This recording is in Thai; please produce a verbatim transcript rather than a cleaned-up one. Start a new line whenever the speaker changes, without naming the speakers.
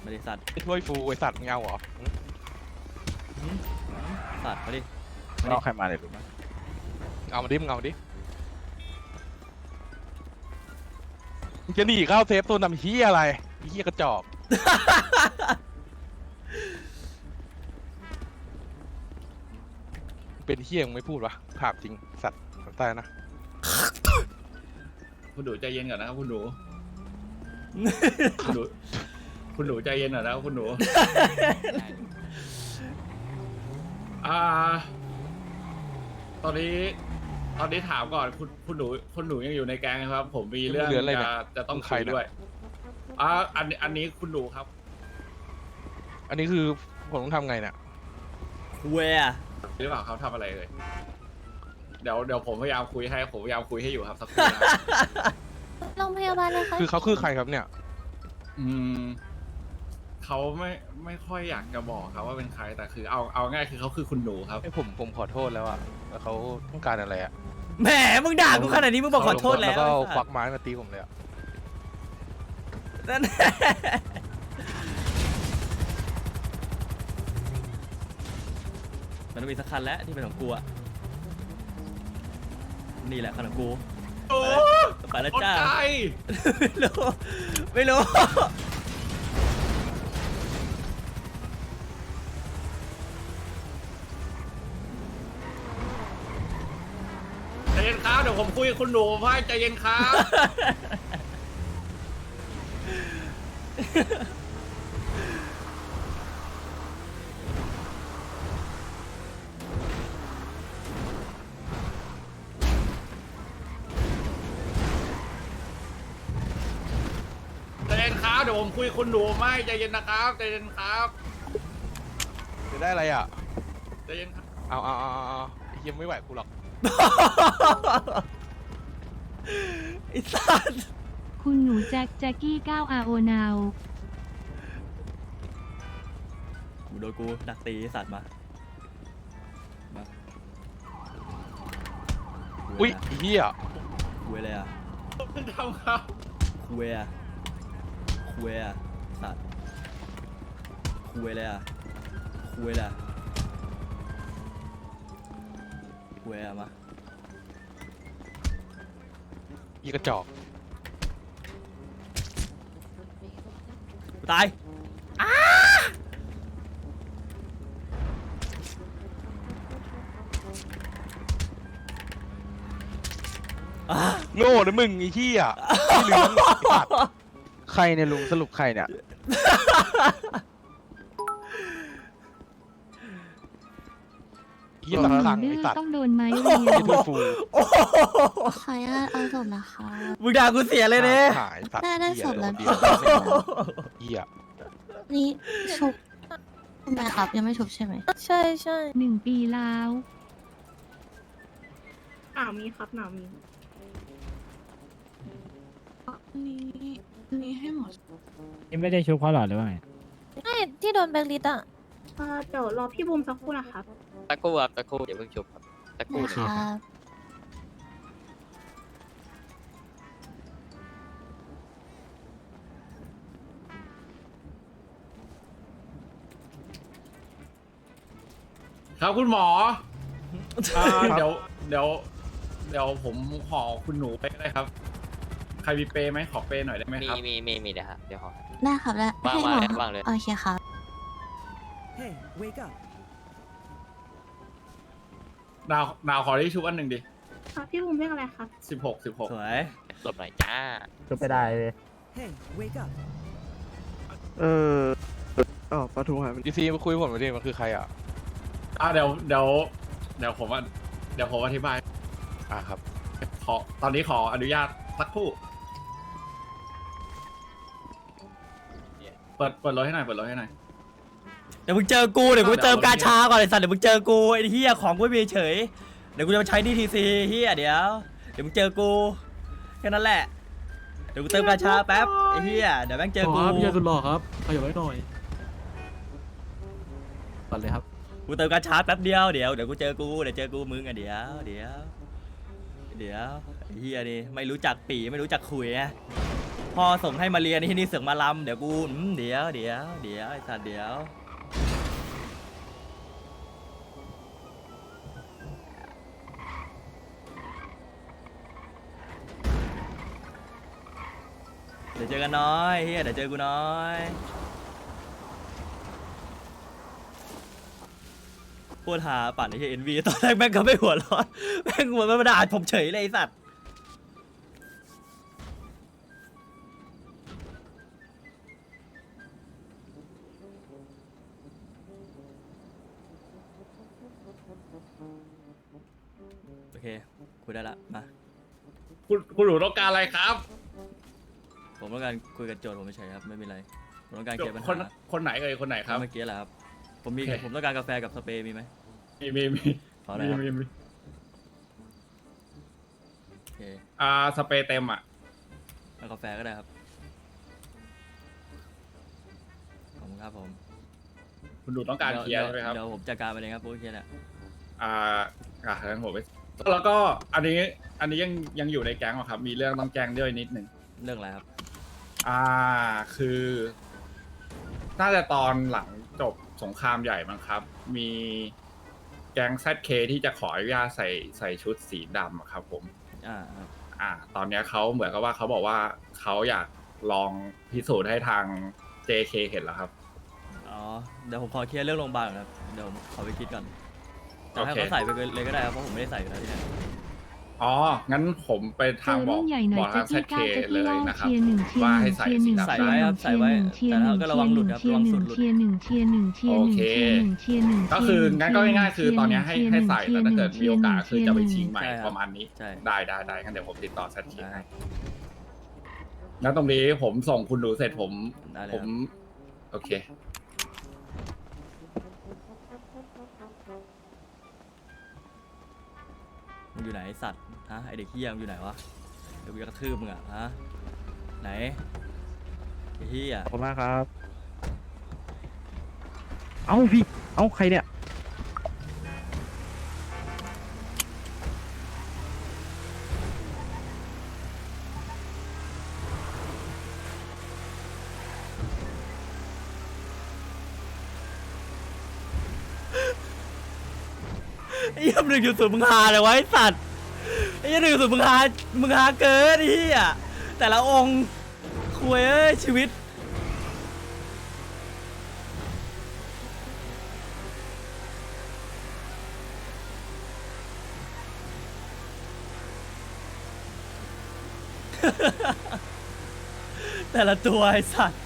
ไม่ได้สัตว์
ช่วยฟูไอสัตว์เงาเหรอ
สัตว์มาดิ
เราใครมาเลยรู้ไหม
เอามาดิมึงเอามาดิมึงจะหนีเข้าเซฟโซนทำเฮียอะไรเฮียกระจอกเป็นเฮียมึงไม่พูดวะถามจริงสัตว์ตายนะ
คุณหนูใจเย็นก่อนนะครับคุณหนู คุณหนูคุณหนูใจเย็นก่อนนะครับคุณหนู อ่า ตอนนี้ ตอนนี้ถามก่อนคุณคุณหนูคุณหนูยังอยู่ในแก๊งครับ ผมมีเรื่องจะจะต้องคุยด้วยอ่าอันอันนี้คุณหนูครับ
อันนี้คือผมต้องทำไงเนี่ย
เวีย
หรือเปล่าเขาทำอะไรเลยเดี๋ยวเดี๋ยวผมพยายามคุยให้ผมพยายามคุยให้อยู่ครับสักครู่นะ
โรงพยาบาลเลยค่ะ
คือเขาคือใครครับเนี่ย
อืมเขาไม่ไม่ค่อยอยากจะบอกครับว่าเป็นใครแต่คือเอาเอาง่ายคือเขาคือคุณหนูครับ
ไอผมผมขอโทษแล้วอะแล้วเขาต้องการอะไรอะ
แหมมึงด่ากูขนาดนี้มึงบอกขอโทษแล้ว
แล้วก็เอา
ไอ้
ค
สั
วั
ต
ก
ว์
ไม้มาตีผมเลยอะ
นั่นมันต้องมีสักคันแล้วที่เป็นของกูอะนี่แหละคันของกู
โอ้
ไปแล้ว
อด
จ้า
ใจ
ไม่รู้ไม่รู้
ใจเย็นครับเดี๋ยวผมคุยกับคุณหนูให้ใจเย็นครับ ใจเย็นครับเดี๋ยวผมคุยกับคุณหนูไม่ใจเย็นนะครับใจเย็นครับ
จะได้อะไรอะ
ใจเย็นครับ
เอาเอาเอาเอาเอาไอ้เฮียไม่ไหวกูหรอก
ไอ้สัตว์
คุณหนูแจ็คแจ็คกี้เก้าอาโอนาว
กูโดนกูดักตีไอ้สัตว์มามา
อุ้ยไอ้เฮีย
คุยเลยอ่ะ
คุณทำครับ
คุยอ่ะคุยอ่ะสัตว์คุยเลยอ่ะคุยเลยอะคุยอ่ะมา
อีกระจอก
ตาย
โง่นะมึงไอ้เหี้ยไม่เหลืองไอ้สัตว์
ใครเนี่ยลุงสรุปใครเนี่ย
เหี้ย
ห
ตะ
นู
ขัง
ดื้
ไอ้
อ
สัตว์
ต้องโดนไม้เรียว
ไอ้ถ้วยฟู
โอ้โห
ขออนุญาตเอาศพนะคะ
มึงด่ากูเสียเลยเนี่ย
หายสัตว์
ได้ได้
เหี้ย
ศพแล้ว
เดี
พี่
ยวเหี้ย
นี่ชุบทำไมครับยังไม่ชุบใช่ไหม
ใช่ใช่
หนึ่งปีแล้ว
หนาวมีครับหนาวมี
นี่นี่ให้หมด
นี่ไม่ได้ชุบเขาหรอหรือว่าไง
ไม่ที่โดนแบงค์ลิสต์อ่ะ
เอ่อเดี๋ยวรอพี่บูมสักครู่นะครับ
ตะกู้ครับตะกู้อย่าเพิ่งชุบครับตะกู้
นะ
ห
ค
นึ่ง
รับ
ครับคุณหมออ่าเดี๋ยวเดี๋ยวเดี๋ยวผมขอคุณหนูไปก็ได้ครับ ใครมีเปย์ไหมขอเปย์หน่อยได้ไหม
มี
ครับ
มีมีมีเดี๋ยวฮะเดี๋ยวขอ
ได้ครับแล้ว
วาง
ให้หมอ
วางเลย
ครับ
วางเลย
โอเคครับ
ดาวดาวขอที่ชุบอันหนึ่งดิ
ครับพี่บูมเรียกอะไรครับ
สิบหกสิบหก
สวย
หลบหน่อยจ้า
ชุบไปได้เลย
เอออ๋อปลาทูหายไป
ดีซีมาคุยกับผมหน่อยดิมันคือใครอ่ะ
อ่าเดี๋ยวเดี๋ยวเดี๋ยวผมอ่ะเดี๋ยวผมอธิบาย
อ่ะครับ
ขอตอนนี้ขออนุญาตสักครู่เปิดเปิดรถให้หน่อยเปิดรถให้หน่อย
เดี๋ยวมึงเจอกูเดี๋ยวกูเติมกาชาก่อนไอ้สัตว์เดี๋ยวมึงเจอกูไอ้เหี้ยของกูไม่มีเฉยเดี๋ยวกูจะมาใช้ดีทีซีเหี้ยเดี๋ยวเดี๋ยวมึงเจอกูแค่นั้นแหละเดี๋ยวกูเติมกาชาแป๊บไอ้เหี้ยเดี๋ยวแม่งเจอกู
พี่ชายสุดหล่อครับขยับไว้หน่อยปัดเลยครับ
กูเติมกาชาแป๊บเดียวเดี๋ยวเดี๋ยวกูเจอกูเดี๋ยวเจอกูมึงอ่ะเดี๋ยวเดี๋ยวเดี๋ยวไอ้เหี้ยนี่ไม่รู้จักปีไม่รู้จักคุยอะพ่อส่งให้มาเรียนที่นี่เสือกมาลำเดี๋ยวกูอืมเดี๋ยวเดี๋ยวเดี๋ยวไอ้สัตว์เดี๋ยวเดี๋ยวเจอกันน้อยเฮียเดี๋ยวเจอกูน้อยพูดหาปั่นไอ้เฮียเอ็นวีตอนแรกแม่งก็ไม่หัวร้อนแม่งหัวมันมาด่าผมเฉยเลยไอ้สัตว์โอเคคุยได้ละมา
คุณคุณหนูต้องการอะไรครับ
ผมต้องการคุยกับโจทย์ผมไม่ใช่ครับไม่มีอะไรผมต้องการเคลียร์ปัญ
คน
หา
คนไหนเอ่ยคนไหนครับ
เมื่อกี้แหละครับผมมี
โอเค
ผมต้องการกาแฟกับสเปรย์มีไหม
มีมีมี
ขออะไร
มี
ครับ
มีมี
โอเค
อ่าสเปรย์เต็มอ่ะ
เอากาแฟก็ได้ครับขอบคุณครับผม
คุณหนูต้องการเคลียร์ใช่ไหมครับ
เดี๋ยวผมจัดการไปเลยครับโอเคแหละ
อ่าอ่างั้นผมไปแล้วก็อันนี้อันนี้ยังยังอยู่ในแก๊งเหรอครับ มีเรื่องต้องแจ้งด้วยนิดหนึ่ง
เรื่องอะไรครับ
อ่าคือน่าจะตอนหลังจบสงครามใหญ่มั้งครับ มีแก๊ง แซด เค ที่จะขออนุญาตใส่ใส่ชุดสีดำอะครับผม
อ่าครับ
อ่า ตอนเนี้ยเขาเหมือนกับว่าเขาบอกว่าเขาอยากลองพิสูจน์ให้ทาง เจ เค เห็นแล้วครับ
อ๋อเดี๋ยวผมขอเคลียร์เรื่องโรงพยาบาลก่อนครับเดี๋ยวผมขอไปคิดก่อนแต่ให้
โอเค
เขาใส่ไปเลยก็ได้ครับเพราะผมไม่ได้ใส่อยู่แล้วที่เนี่ย
อ๋อ งั้นผมไป
เจ
ทาง
อ
บอก
รุ่นใหญ่หน่
บ
อ
อย ก
แจ็
ทา
ค
ง แซด เค
กี้เก้าแจ็ค
เล
กี้
ย
เล่า
นะครับ
เชียร์หนึ่งเชียร์
ว่า
ห
ให้
นึ่ง
ใส่
เชียร์หนึ่ง
สีดำ
ใส่ไว้ครับใส่ไว้
เชียร์หนึ่ง
แต่ก็ระวังหลุดครับ
เชีย
ระวัง
ร์ห
สุ
นึ่
ด
ง
หลุด
เชียร์หนึ่งเชียร์หนึ่งเชียร์หนึ่งเชียร์หนึ่งเชียร์หนึ่ง
ก็คืองั้นก็ง่ายๆคือตอนเนี้ยให้ให้ใส่แล้วถ้าเกิดมีโอกาสคือจะไปชิงใหม่
ใช่ครับ
ประมาณนี้
ใช่
ได้ได้ได้งั้นเดี๋ยวผมติดต่อ แซด เค
ได้
ให้งั้นตรงนี้ผมส่งคุณหนูเสร็จผม
ได้เลย
ผ
ค
ม
รับ
โอเค
มึงอยู่ไหนไอ้สัตว์ฮะไอเด็กเฮียมึงอยู่ไหนวะเดี๋ยวกูจะกระทืบมึงอะฮะไหนไอ้เฮีย
ขอบคุณมากครับ เอ้าพี่ เอ้าใครเนี่ย
ไอ้เหี้ยหนึ่งจุดศูนย์มึงหาเลยวะไอ้สัตว์ไอ้เหี้ยหนึ่งจุดศูนย์มึงหามึงหาเกินไอ้เหี้ยแต่ละองค์คุยเอ้ยชีวิต แต่ละตัวไอ้สัตว์